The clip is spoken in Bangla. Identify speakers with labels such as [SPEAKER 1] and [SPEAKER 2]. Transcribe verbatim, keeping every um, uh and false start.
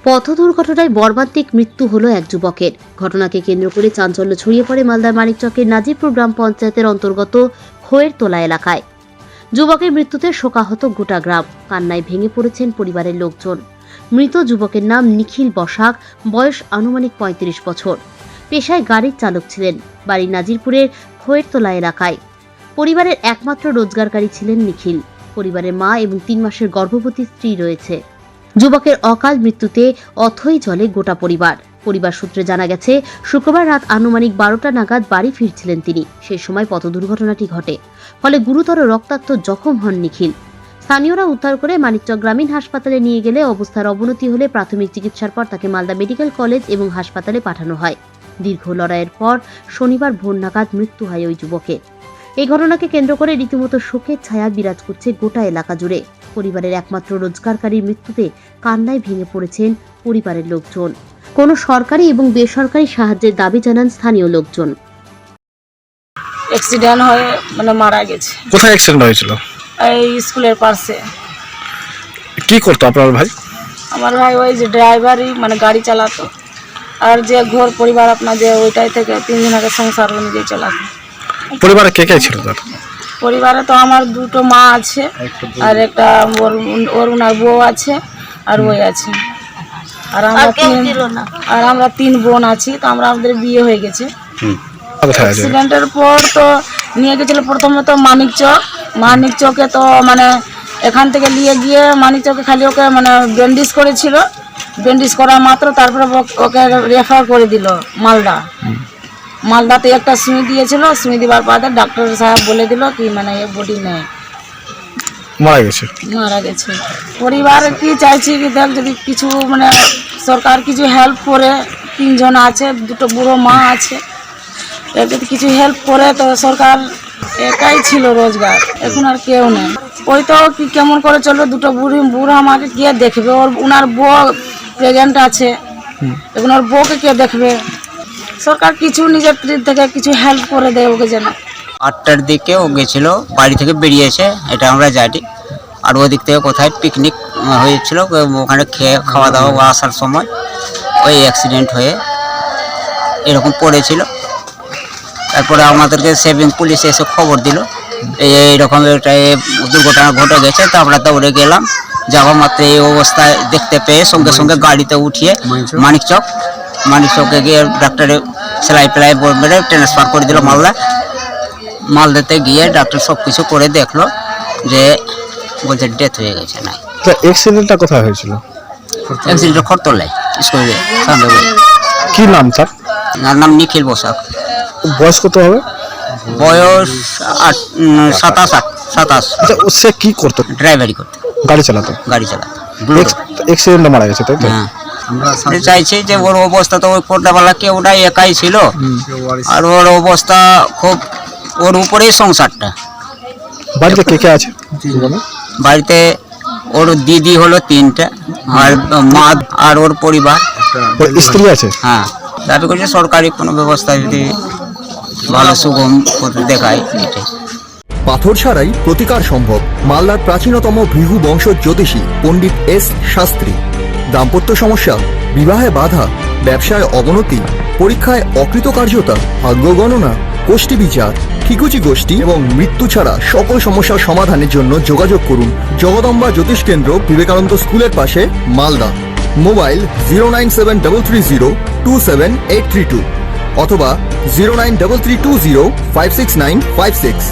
[SPEAKER 1] পথ দুর্ঘটনায় মর্মান্তিক মৃত্যু হলো এক যুবকের। ঘটনাকে কেন্দ্র করে চাঞ্চল্য ছড়িয়ে পড়ে মালদার মানিকচকের নাজিরপুর গ্রাম পঞ্চায়েতের অন্তর্গত খোয়ের তোলা এলাকায়। যুবকের মৃত্যুতে শোকাহত গোটা গ্রাম, কান্নায় ভেঙে পড়েছেন পরিবারের লোকজন। মৃত যুবকের নাম নিখিল বসাক, বয়স আনুমানিক পঁয়ত্রিশ বছর। পেশায় গাড়ির চালক ছিলেন। বাড়ি নাজিরপুরের খোয়ের তোলা এলাকায়। পরিবারের একমাত্র রোজগারকারী ছিলেন নিখিল। পরিবারের মা এবং তিন মাসের গর্ভবতী স্ত্রী রয়েছে। যুবকের অকাল মৃত্যুতে অথই জলে গোটা পরিবার। পরিবার সূত্রে জানা গেছে, শুক্রবার রাত আনুমানিক বারোটা নাগাদ বাড়ি ফিরছিলেন তিনি। সেই সময় পথ দুর্ঘটনাটি ঘটে, ফলে গুরুতর রক্তাক্ত জখম হন নিখিল। স্থানীয়রা উদ্ধার করে মানিকচক গ্রামীণ হাসপাতালে নিয়ে গেলে অবস্থার অবনতি হলে প্রাথমিক চিকিৎসার পর তাকে মালদা মেডিকেল কলেজ এবং হাসপাতালে পাঠানো হয়। দীর্ঘ লড়াইয়ের পর শনিবার ভোর নাগাদ মৃত্যু হয় ওই যুবকের। এই ঘটনাকে কেন্দ্র করে রীতিমতো শোকের ছায়া বিরাজ করছে গোটা এলাকা জুড়ে। পরিবারের একমাত্র রোজগারকারীর মৃত্যুতে কান্নায় ভেঙে পড়েছেন পরিবারের লোকজন। কোনো সরকারি এবং বেসরকারি সাহায্যের দাবি জানান স্থানীয় লোকজন।
[SPEAKER 2] অ্যাক্সিডেন্ট হয়ে মানে মারা গেছে।
[SPEAKER 3] কোথায় অ্যাক্সিডেন্ট হয়েছিল?
[SPEAKER 2] এই স্কুলের পাশে।
[SPEAKER 3] কি করতো আপনার ভাই?
[SPEAKER 2] আমার ভাই ওই যে ড্রাইভারই, মানে গাড়ি চালাতো। আর যে ঘর পরিবার আপনার যে ওইটাই থেকে তিনজনকে সংসার অনুযায়ী চালাতো।
[SPEAKER 3] পরিবারে কে কে ছিল তার?
[SPEAKER 2] পরিবারে তো আমার দুটো মা আছে, আর একটা ওর ওর ওনার বউ আছে, আর ওই আছে। আর আমরা তিন আর আমরা তিন বোন আছি। তো আমরা আমাদের বিয়ে হয়ে গেছে। অ্যাক্সিডেন্টের পর তো নিয়ে গেছিল প্রথমে তো মানিকচক। মানিকচকে তো মানে এখান থেকে নিয়ে গিয়ে মানিকচকে খালি ওকে মানে ব্যান্ডেজ করেছিল। ব্যান্ডেজ করা মাত্র তারপরে ওকে রেফার করে দিল মালদা। মালদাতে একটা সুই দিয়েছিল। সুই দেওয়ার পর ডাক্তার সাহেব বলে দিল কি মানে এ বডি নেই,
[SPEAKER 3] মারা গেছে।
[SPEAKER 2] মারা গেছে। পরিবার কি চাইছি কি দেখ যদি কিছু মানে সরকার কিছু হেল্প করে। তিনজন আছে, দুটো বুড়ো মা আছে। এর যদি কিছু হেল্প করে তো সরকার একাই ছিল রোজগার, এখন আর কেউ নেই। ওই তো কি কেমন করে চলবে, দুটো বুড়ি বুড়া আমাকে কে দেখবে? ওর ওনার বউ প্রেগনেন্ট আছে, এখন ওর বউকে কে দেখবে? সরকার কিছু নিজের থেকে কিছু হেল্প করে দেয় ওকে যেন।
[SPEAKER 4] আটটার দিকে ও গেছিল, বাড়ি থেকে বেরিয়েছে, এটা আমরা জানি। আর ওদিক থেকে কোথায় পিকনিক হয়েছিল, ওখানে খেয়ে খাওয়া দাওয়া আসার সময় ওই অ্যাক্সিডেন্ট হয়ে এরকম পড়েছিল। তারপরে আমাদেরকে সেভিং পুলিশ এসে খবর দিল এইরকম একটা দুর্ঘটনা ঘটে গেছে। তো আমরা দৌড়ে গেলাম। যাওয়া মাত্র এই অবস্থায় দেখতে পেয়ে সঙ্গে সঙ্গে গাড়িতে উঠিয়ে মানিকচক মানিকচকে গিয়ে ডাক্তারে সেলাই ফেলাই মেরে ট্রান্সফার করে দিল মালদা। মালদাতে গিয়ে ডাক্তার সব কিছু করে দেখলো যে বলছে ডেথ হয়ে গেছে। না,
[SPEAKER 3] অ্যাক্সিডেন্টটা কোথায় হয়েছিল?
[SPEAKER 4] অ্যাক্সিডেন্ট খরতলায় স্কুলে সামনে।
[SPEAKER 3] কি নাম তার?
[SPEAKER 4] তার নাম নিখিল বসাক।
[SPEAKER 3] বয়স কত হবে?
[SPEAKER 4] বয়স আট সাতাশ আট সাতাশ।
[SPEAKER 3] সে কি করতো?
[SPEAKER 4] ড্রাইভারি করতো,
[SPEAKER 3] গাড়ি চালাতো।
[SPEAKER 4] গাড়ি চালাতো।
[SPEAKER 3] অ্যাক্সিডেন্টে মারা গেছে, তাই তো?
[SPEAKER 4] হ্যাঁ, আমরা চাইছি যে ওর অবস্থা তো ওই কোটাবেলা কেউ ওটাই একাই ছিল। আর ওর অবস্থা খুব, ওর উপরেই সংসারটা।
[SPEAKER 3] বাড়িতে কে কে আছে?
[SPEAKER 4] বাড়িতে ওর দিদি হলো তিনটা, আর মা আর ওর পরিবার।
[SPEAKER 3] স্ত্রী আছে?
[SPEAKER 4] হ্যাঁ, দাবি করছে সরকারি কোনো ব্যবস্থা যদি ভালো সুগম দেখায় এটাই।
[SPEAKER 5] পাথর ছাড়াই প্রতিকার সম্ভব। মালদার প্রাচীনতম ভৃগু বংশ জ্যোতিষী পণ্ডিত এস শাস্ত্রী। দাম্পত্য সমস্যা, বিবাহে বাধা, ব্যবসায় অবনতি, পরীক্ষায় অকৃতকার্যতা, ভাগ্য গণনা, গোষ্ঠী বিচার, ঠিকুচি গোষ্ঠী এবং মৃত্যু ছাড়া সকল সমস্যার সমাধানের জন্য যোগাযোগ করুন জগদম্বা জ্যোতিষ কেন্দ্র, বিবেকানন্দ স্কুলের পাশে, Malda. Mobile zero nine seven double three zero two seven eight three two অথবা zero nine double three two zero five six nine five six.